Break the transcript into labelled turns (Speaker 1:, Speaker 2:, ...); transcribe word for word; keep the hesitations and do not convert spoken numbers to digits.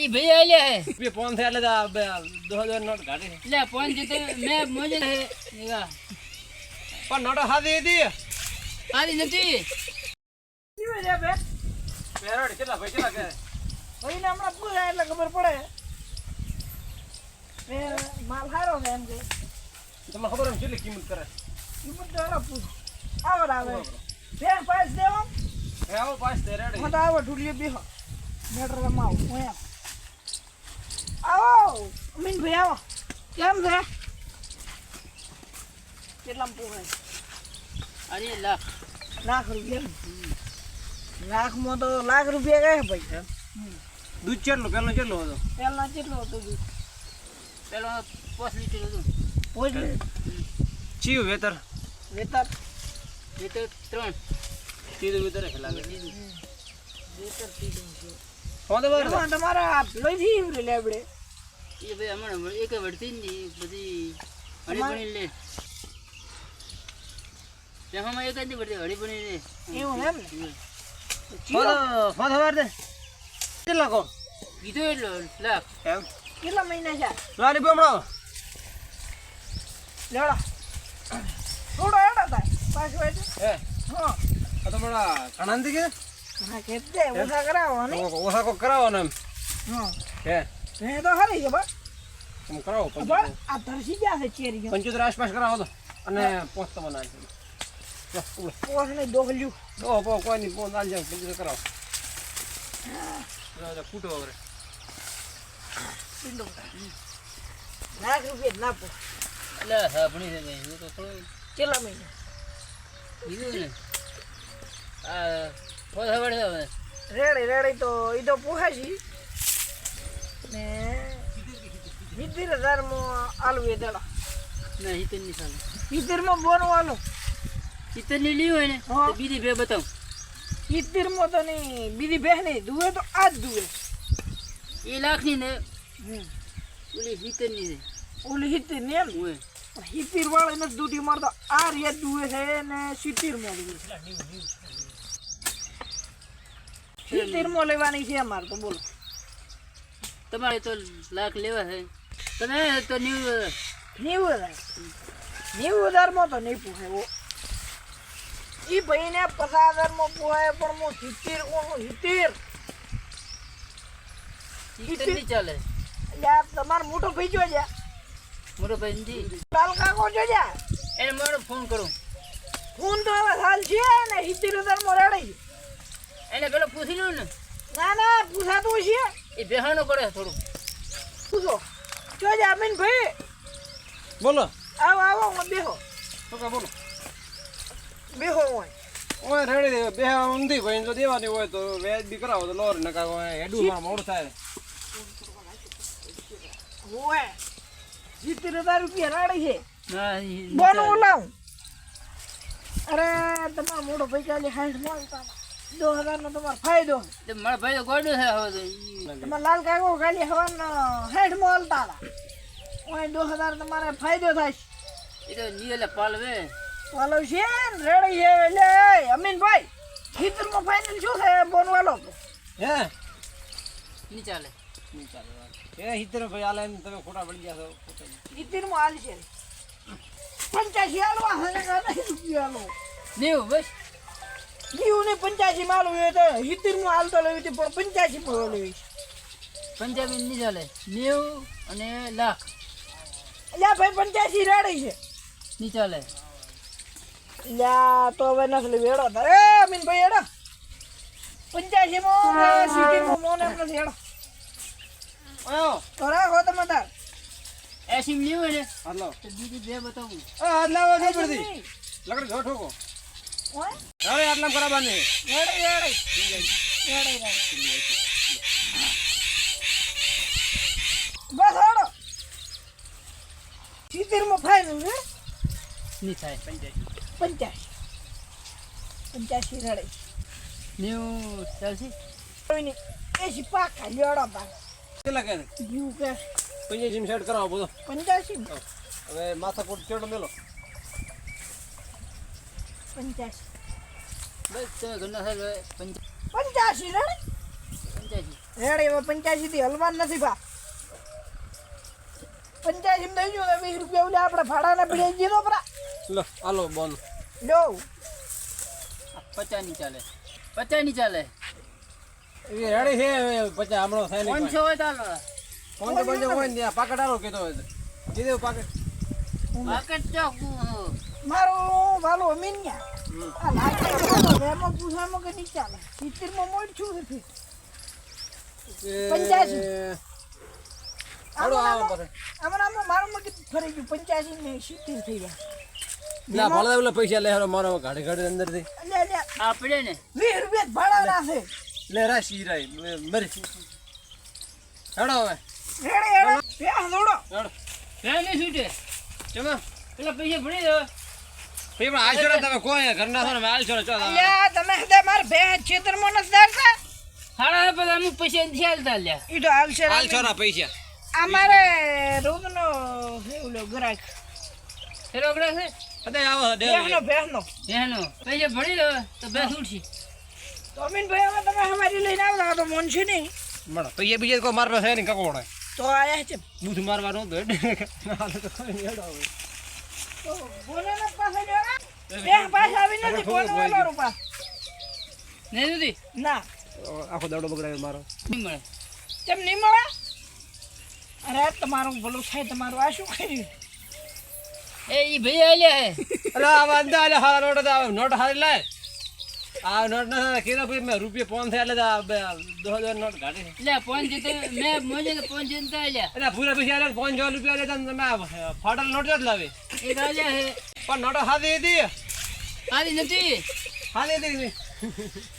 Speaker 1: ई भैया ले है
Speaker 2: बे फोन थे ले दो हजार नोट गाड़ी
Speaker 1: ले फोन जीते मैं मुझे है निगा
Speaker 2: पर नोट हादी दी
Speaker 1: आदि નથી
Speaker 3: કેવે છે બે
Speaker 2: પેરોડ કેટલા ભાઈ કેટલા કે
Speaker 3: ભાઈને હમણાં પૂછા એટલે ખબર પડે મે માલ હારો છે એમ કે
Speaker 2: તમને ખબર એમ કેટલી કિંમત કરે
Speaker 3: કિંમત તો એનો પૂછ આવડ આવે બેન પાસ દેવો
Speaker 2: હે આવો પાસ દે રેડી
Speaker 3: મત આવો ઢુલિયો બેહો મેટર રમાવ હું આવો અમીન ભાઈ આવો કેમ છે કેટલામ પોહાય
Speaker 1: અરે લાખ
Speaker 3: લાખ રૂપિયા લાખ માં તો લાખ રૂપિયા ગયા ભાઈ
Speaker 2: દૂધ કેટલું પેલો કેટલું હતો
Speaker 3: પહેલા કેટલો હતો દૂધ
Speaker 1: પેલો પાંચ લીટર હતું
Speaker 3: પોઈ
Speaker 2: ચીવ વેતર
Speaker 3: વેતર
Speaker 1: એ તો ત્રણ
Speaker 2: સીધું વેતર લાગે
Speaker 3: વેતર તીડું છે
Speaker 2: ફોન તો બર
Speaker 3: એમાં તમારા લોહીથી ઉરે લેબડે
Speaker 1: એ ભાઈ હમણાં એક વળતી ની બધી હળી બની લે તેમાં એક જ વળતી હળી બની લે
Speaker 3: એવું એમ ને
Speaker 2: ફોન ફોન ખબર દે કેટલા કો
Speaker 1: કીધો એટલો લાખ
Speaker 2: એમ
Speaker 3: કેટલા મહિના છે
Speaker 2: લારી બમણો
Speaker 3: લેડા થોડો એડા થાય પાછો એટલે
Speaker 2: હે
Speaker 3: હા
Speaker 2: આ તો બડા કણાંદી કે
Speaker 3: હા કેતે ઓછા કરાવો ને
Speaker 2: ઓસા કો કરાવો ને એમ
Speaker 3: હા
Speaker 2: હે
Speaker 3: એ તો હરી છે બા
Speaker 2: તમે કરાવો
Speaker 3: બા આ ધરસી ગયા છે ચેરી
Speaker 2: પંચોતેર આસપાસ કરાવો તો અને પોસ્ટ તો બનાવી
Speaker 3: પોસ ને દોહલ્યું
Speaker 2: ઓ પો કોઈ નહીં ફોન આલ જાવ પંચોતેર કરાવો રાજા ફૂટો વગર
Speaker 3: પિંડો લાખ રૂપિયા ના પો
Speaker 1: એટલે હા ભણી છે ભાઈ હું તો થોડું
Speaker 3: કેટલા મહિના
Speaker 1: કીધું ને આ ફોન ખબર છે હવે
Speaker 3: રેડી રેડી તો એ તો પૂછાશી ને સિત્તેર હજાર માં આલુ એ દડા
Speaker 1: ના હિતર ની સામે
Speaker 3: સિત્તેર માં બોનું આલું
Speaker 1: હિતર ની લી હોય ને
Speaker 3: હા.
Speaker 1: તો બીજી બે બતાવ
Speaker 3: સિત્તેર માં તો નહીં બીજી બેહ નહીં દુવે તો આ જ દુવે
Speaker 1: એ લાખ ની ને ઓલી હિતર ની છે
Speaker 3: ઓલી સિત્તેર ને એમ
Speaker 1: હોય
Speaker 3: સિત્તેર વાળી નથી દૂધી મારતો આ રેત દુવે છે ને સિત્તેર માં દુવે સિત્તેર માં લેવાની છે અમારે તો બોલો
Speaker 1: તમારે તો લાખ લેવા છે તમે તો ન્યુ
Speaker 3: નેવું હજાર નેવું હજાર માં તો નહીં પૂછાય ઈ ભાઈ ને પચાસ હજાર માં પૂછાય પણ હું સિત્તેર કોણ સિત્તેર
Speaker 1: હિતર ની ચાલે
Speaker 3: એટલે આ તમારો મોટો ભાઈ જો જા
Speaker 1: મોટો ભાઈ નથી
Speaker 3: લાલ કાકો જો જા
Speaker 1: એને મારો ફોન કરું
Speaker 3: ફોન તો હવે હાલ છે ને સિત્તેર હજાર માં રેડી
Speaker 1: એને પેલો પૂછી લઉં ને
Speaker 3: ના ના પૂછાતું છે
Speaker 1: એ બેહાનો કરે થોડું
Speaker 3: પૂછો જો જા અમીન ભાઈ
Speaker 2: બોલો
Speaker 3: આવો આવો હું બેહો
Speaker 2: તો કે બોલો
Speaker 3: બેહો હોય
Speaker 2: ઓય રેડી બે ઊંધી ભાઈ જો દેવાની હોય તો વેજ બી કરાવો તો લોર ન કાકો હેડું માં મોડ થાય
Speaker 3: હોય સિત્તેર હજાર રૂપિયા રાડી છે
Speaker 1: ના ઈ
Speaker 3: બોનું લાવું અરે તમારો મોટો ભાઈ ચાલે સાઠ મળતા દો હજાર નો તમારો ફાયદો
Speaker 1: તે મારા ભાઈ તો ગોડો છે હવે તો ઈ
Speaker 3: તમારા લાલ કાકો ખાલી હવાનો સાઠ મળતા હતા ઓય દો હજાર તમારે ફાયદો થાય
Speaker 1: એ તો નીલે પાલવે
Speaker 3: વાલો છે ને રેડી છે એટલે અમીનભાઈ સિત્તેર માં ફાઇનલ શું છે બોન વાલો
Speaker 2: હે
Speaker 1: ની ચાલે
Speaker 2: નહીં ચાલે એ હિતર ભાઈ આલે ને તમે ખોટા પડી ગયા છો
Speaker 3: સિત્તેર માં હાલ છે પંચ્યાસી હાલવા હજાર રૂપિયા હાલો
Speaker 1: નેવું બસ
Speaker 3: જીવ ને પંચ્યાસી માં હાલવું એ તો સિત્તેર માં હાલતો લેવી હતી પણ પંચ્યાસી માં લેવી
Speaker 1: પંજાબી ની ચાલે નેવું અને લાખ
Speaker 3: એટલે ભાઈ પંચ્યાસી રેડી છે
Speaker 1: ની ચાલે
Speaker 3: યા તો હવે નથી લેવી હેડો તારે એ અમીનભાઈ હેડો પંચ્યાસી માં સિત્તેર માં મોન એમ નથી હેડો
Speaker 2: આયો
Speaker 3: તો રાખો તમે તાર
Speaker 1: એસી ની હોય ને
Speaker 2: હાલો
Speaker 1: તો બીજી બે બતાવું
Speaker 2: આ આટલા વાગે પડતી લકડી જો ઠોકો
Speaker 3: ઓય
Speaker 2: હવે આટલા કરાવવાની
Speaker 3: રેડી રેડી રેડી રેડી બસ હેડો સિત્તેર માં ફાઇનલ હે
Speaker 1: ની થાય પંજાબી
Speaker 3: પંચ્યાસી પંચ્યાસી રેડી
Speaker 1: નેવું ચાલશે
Speaker 3: કોઈ નહીં એસી પાકા લેડો પાક
Speaker 2: કેટલા કે
Speaker 3: જીવ કે
Speaker 2: પંજાસી સેટ કરાવો બધો
Speaker 3: પંચ્યાસી
Speaker 2: હવે માથાકોટ ચેડો મેલો
Speaker 3: પંચ્યાસી
Speaker 1: બસ તમે ઘરના થાય પંજા
Speaker 3: પંચ્યાસી રેડી
Speaker 1: પંચ્યાસી
Speaker 3: રેડી હવે પંચ્યાસી થી હલવાન નથી ભા પંચ્યાસી માં થઈ ગયું વીસ રૂપિયા ઓલે આપણે ભાડાના પીડે જીરો પરા
Speaker 2: લો હાલો બોન
Speaker 3: લો
Speaker 1: પચાસ ની ચાલે પચાસ ની ચાલે
Speaker 2: એ રેડી છે પછી હમણાં થાય નહીં
Speaker 1: પાંચસો હોય ચાલો
Speaker 2: પાંચસો પાંચસો હોય ને પાકટ આલો કીધો હોય કીધું પાકટ
Speaker 1: પાકેટ ચોક
Speaker 3: મારું વાલો અમીન્યા આ લાગે એમાં પૂછામાં કે નહીં ચાલે સિત્તેર માં મોડ છું નથી પંચ્યાસી.
Speaker 2: હાલો આવો પછી
Speaker 3: આમાં આમાં મારું મગજ ફરી ગયું પંચ્યાસી ને સિત્તેર થઈ ગયા
Speaker 2: ના ભલે ઓલા પૈસા લે હારો મારો ગાડી ગાડી અંદર થી
Speaker 3: લે લે
Speaker 1: આ પડે ને
Speaker 3: વીસ રૂપિયા ભાડા નાખે
Speaker 2: લે રાશી રાઈ મરી હેડો હવે
Speaker 3: રેડે રેડે બે દોડો
Speaker 2: હેડો
Speaker 1: ફેર નહીં છૂટે
Speaker 2: ચલો
Speaker 1: પેલા પૈસા ભરી દો
Speaker 2: ભાઈ પણ આલશો ને તમે કોઈ ઘરના છો ને આલશો ને ચો
Speaker 3: અલ્યા તમે હદે માર બે છેતરમાં નથી દારતા
Speaker 1: હાડા બધા અમુક પૈસા નથી હાલતા લ્યા
Speaker 3: ઈ તો આવશે
Speaker 2: આલશો ના પૈસા
Speaker 3: અમારે રોગનો ઓલો ગ્રાહક
Speaker 1: ફેર ઓગળે છે
Speaker 2: અદે આવો દે
Speaker 3: બેહનો બેહનો
Speaker 1: એનો પૈસા ભરી દો તો બે છૂટશે
Speaker 3: તો અમીનભાઈ હવે તમે હમારી લઈને આવતા તો મન છે નહીં
Speaker 2: મળો પૈસા બીજા કોઈ મારવા છે નહીં કકોડે
Speaker 3: તો આયા છે
Speaker 2: બુથ મારવાનું તો ના તો કોઈ નહીં હેડો હવે
Speaker 3: તો બોલાના પાસે લેવા બે પાછા આવી નથી કોણ વાળો પાસ
Speaker 1: નહીં સુધી
Speaker 3: ના
Speaker 2: આખો દાડો બગડાયો મારો
Speaker 1: નહીં મળે
Speaker 3: તેમ નહીં મળે અરે તમારું ભલું થાય તમારું આ શું કર્યું
Speaker 1: એ ઈ ભાઈ આલ્યા હે
Speaker 2: અરે આ વાંધા આલે હારા નોટ આવે નોટ હારી લાય આ નોટ ના કેરા ભાઈ મેં રૂપિયા પાંચ થયા એટલે આ બે દો હજાર નોટ કાઢી
Speaker 1: લે પાંચ જતો મેં મોજે તો પાંચ જનતા આલ્યા
Speaker 2: એટલે પૂરા પૈસા આલે પાંચ હજાર રૂપિયા આલે તમે ફાટલ નોટ જ લાવે
Speaker 1: એક આલ્યા હે
Speaker 2: પણ નોટ હાથી હતી
Speaker 1: આલી નથી
Speaker 2: હાથી હતી